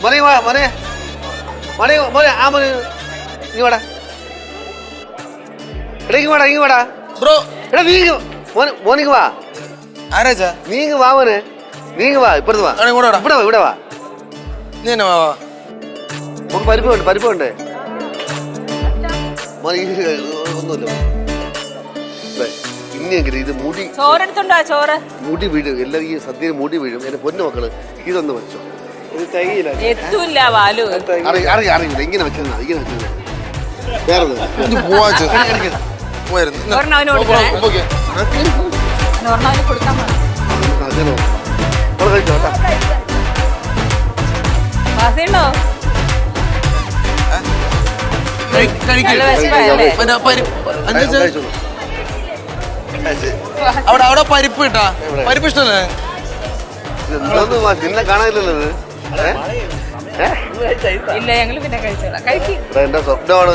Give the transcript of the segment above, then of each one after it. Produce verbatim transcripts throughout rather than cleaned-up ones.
മോനെ വാ മോനെ മോനെ മോനെ ആ മോനെ ഇങ്ങ് വാടാ എടാ ഇങ്ങ് വാടാ ഇങ്ങ് വാടാ ബ്രോ എടാ നീ മോനെ മോനിങ് വാ ആരാച്ചാ നീങ്ങ് വാ മോനെ നീങ്ങ് വാ ഇപ്പുറത്ത് വാ ഇവിടെ വാ ഇവിടെ വാ നീ തന്നെ വാ നമുക്ക് പരിപ്പ് വേണ്ട പരിപ്പ് വേണ്ടേ മോനെ ഒന്നുമില്ല ഇനിയെങ്കിലും ഇത് മുടി ചോറെടുത്തുണ്ടോ ചോറ് മുടി വീഴും എല്ലാം ഈ സദ്യയിൽ മുടി വീഴും എന്റെ പൊന്നു മക്കള് ഇതൊന്ന് വെച്ചോ ഇത് തയ്യില്ല എത്തൂല്ല വാലു അറിയില്ല അറിയില്ല ഇങ്ങനെ വെച്ചിരുന്ന ഇങ്ങനെ വെച്ചിരുന്ന വേറെ ഒരെണ്ണവന് കൊടുക്കണേ ഒരെണ്ണവന് കൊടുക്കാൻ വാസിയുണ്ടോ അവിടെ അവിടെ പരിപ്പ് കിട്ടാ പരിപ്പ് ഇഷ്ടല്ലേ നിന്നെ കാണാനില്ലല്ലോ ഇല്ല ഞങ്ങള് പിന്നെ കഴിച്ചോളാം കഴിക്കും എന്റെ സ്വപ്നമാണ്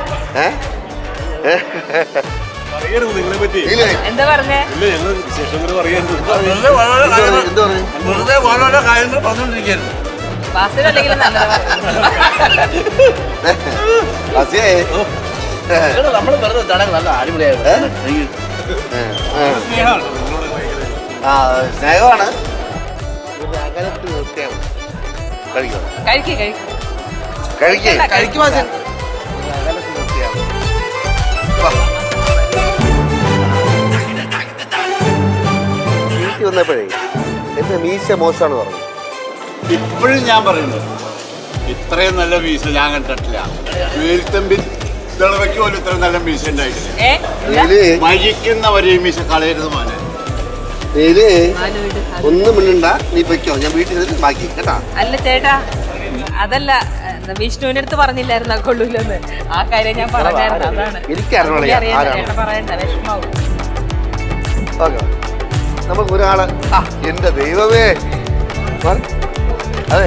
എന്താ പറഞ്ഞേ വാസിലല്ലെങ്കിൽ നമ്മള് പറഞ്ഞ ചടങ്ങ് നല്ല അടിപൊളിയായിരുന്നു ആ സ്നേഹമാണ് അകലത്ത് നിർത്തിയാണ് കഴിക്കണം കഴിക്കും കഴിക്കും കഴിക്കേ കഴിക്കുവാ അകലത്ത് നിർത്തിയാണ് വീട്ടിൽ വന്നപ്പോഴേ എന്റെ മീശ മോശമാണ് പറഞ്ഞു ഇപ്പോഴും ഞാൻ പറയുന്നത് ഇത്രയും നല്ല മീശ ഞാൻ കണ്ടിട്ടില്ല വേലിത്തമ്പിൽ തിളവയ്ക്ക് പോലും ഇത്ര നല്ല മീശ ഉണ്ടായിട്ടില്ല മരിക്കുന്നവരെ മീശ കളയരുത് മോനെ ഒന്നും മിണ്ടണ്ട നീ പൊയ്ക്കോ ഞാൻ വീട്ടിൽ നിന്ന് ബാക്കി കേട്ടാ അല്ല ചേട്ടാ അതല്ല വിഷ്ണുവിന്റെ അടുത്ത് പറഞ്ഞില്ലായിരുന്നു കൊള്ളൂലെന്ന് ആ കാര്യം ഞാൻ പറഞ്ഞായിരുന്നു അതാണ് എനിക്കറിയാം പറയണ്ട വിഷമാവും നമുക്ക് ഒരാള് ആ എന്റെ ദൈവമേ അതെ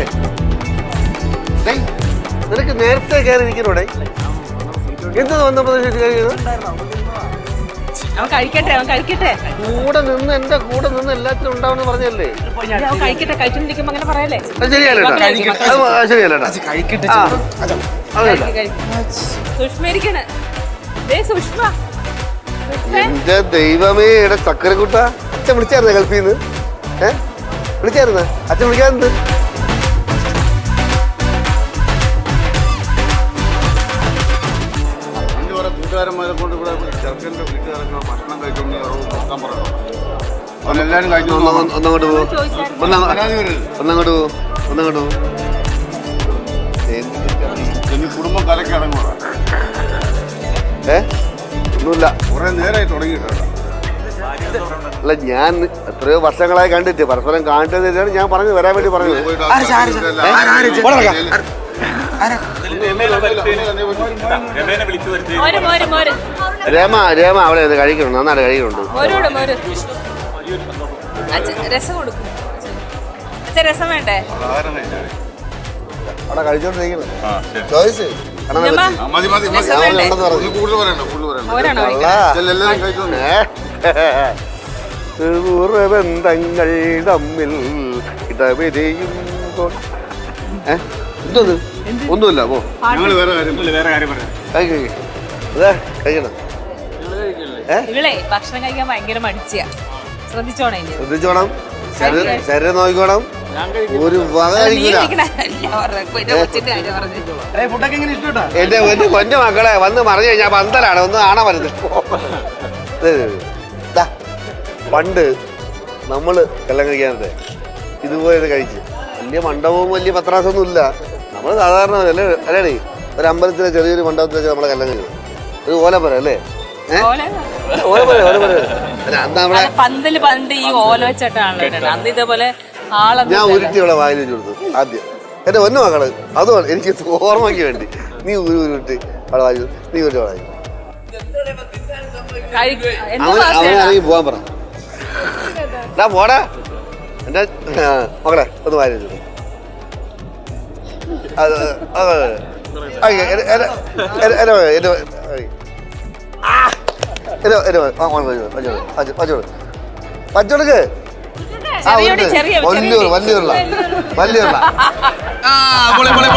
നിനക്ക് നേരത്തെ കയറി ഇരിക്കണോടെ എന്ത് വന്നപ്പോ അവൻ കഴിക്കട്ടെ അവൻ കഴിക്കട്ടെ കൂടെ നിന്ന് എന്റെ കൂടെ നിന്ന് എല്ലാത്തിനും ഉണ്ടാവണമെന്ന് പറഞ്ഞല്ലേ അവൻ കഴിക്കട്ടെ കഴിച്ചോണ്ടിരിക്കുമ്പോ അങ്ങനെ പറയല്ലേ ശരിയല്ലേട്ടാ സുഷ്മ ഇരിക്കണ സുഷ്മ എന്റെ ദൈവമേ എടെ ചക്കരക്കുട്ട അച്ഛൻ വിളിച്ചായിരുന്ന ഗൾഫിൽ നിന്ന് ഏഹ് വിളിച്ചായിരുന്ന അച്ഛൻ വിളിക്കാറുണ്ട് കൂട്ടുകാരന്മാരെ കൊണ്ട് ഇവിടെ ചെറുക്കൻ്റെ വീട്ടുകാരൊക്കെ ഭക്ഷണം കഴിച്ചോണ്ട് നോക്കാൻ പറയണം അവനെല്ലാവരും കഴിച്ചു ഒന്നങ്ങോട്ട് പോ ഒന്നങ്ങോട്ട് പോ ഒന്നങ്ങോട്ട് പോ ഇനി കുടുംബം കലക്കി അടങ്ങുക ഏ ഒന്നുമില്ല കുറെ നേരമായി തുടങ്ങിയിട്ടാണ് അല്ല ഞാൻ എത്രയോ വർഷങ്ങളായി കണ്ടിട്ട് പരസ്പരം കാണിച്ചത് ഞാൻ പറഞ്ഞു വരാൻ വേണ്ടി പറഞ്ഞത് രമ രമ അവിടെ കഴിക്കണം നന്നായിട്ട് കഴിക്കുന്നുണ്ട് രസം കൊടുക്കും രസം വേണ്ടേ അവിടെ കഴിച്ചോണ്ടിരിക്കണം ചോയ്സ് ബന്ധങ്ങൾ തമ്മിൽ ഇടവരെയുമ്പോൾ എന്തോന്ന് ഒന്നുമില്ല പോ കഴിക്കണം ഇവളെ ഭക്ഷണം കഴിക്കാൻ ഭയങ്കര മടിച്ചാ ശ്രദ്ധിച്ചോണേ ശ്രദ്ധിച്ചോണം ശരീരം നോക്കിക്കോണം ഒരു വക എന്റെ എന്റെ കൊഞ്ഞ മക്കളെ വന്ന് പറഞ്ഞു കഴിഞ്ഞാൽ പന്തലാണ് ഒന്ന് കാണാൻ വരുന്നത് പണ്ട് നമ്മള് കല്യാണം കഴിക്കാനത്തെ ഇതുപോലെ കഴിച്ച് വലിയ മണ്ഡപവും വലിയ പത്രാസൊന്നും ഇല്ല നമ്മള് സാധാരണ അല്ലേ അല്ലേ ഒരു അമ്പലത്തിലെ ചെറിയൊരു മണ്ഡപത്തിൽ വെച്ച് നമ്മളെ കല്യാണം കഴിക്കും ഒരു ഓലപ്പുര അല്ലേ ഓലപ്പുര ഓലപ്പുര പന്തല് പണ്ട് ഈ ഓല വെച്ചിട്ടാണല്ലോ അന്ന് ഇതേപോലെ ഞാൻ ഉരുട്ടി ഇവിടെ വായിൽ വെച്ച് കൊടുത്തു ആദ്യം എന്റെ ഒന്നു മക്കള് അതുകൊണ്ട് എനിക്ക് ഓർമ്മയ്ക്ക് വേണ്ടി നീ ഒരു ഉരുട്ടി അവിടെ വായി നീ ഉരുട്ടി വായി അവനാണെങ്കിൽ പോവാൻ പറ പോടാ എന്റെ മകളെ ഒന്ന് വായിൽ വെച്ചു പച്ചോടുക്ക് ചെറിയ ചെറിയ വലിയ വലിയ വലിയ ആ പൊളി പൊളി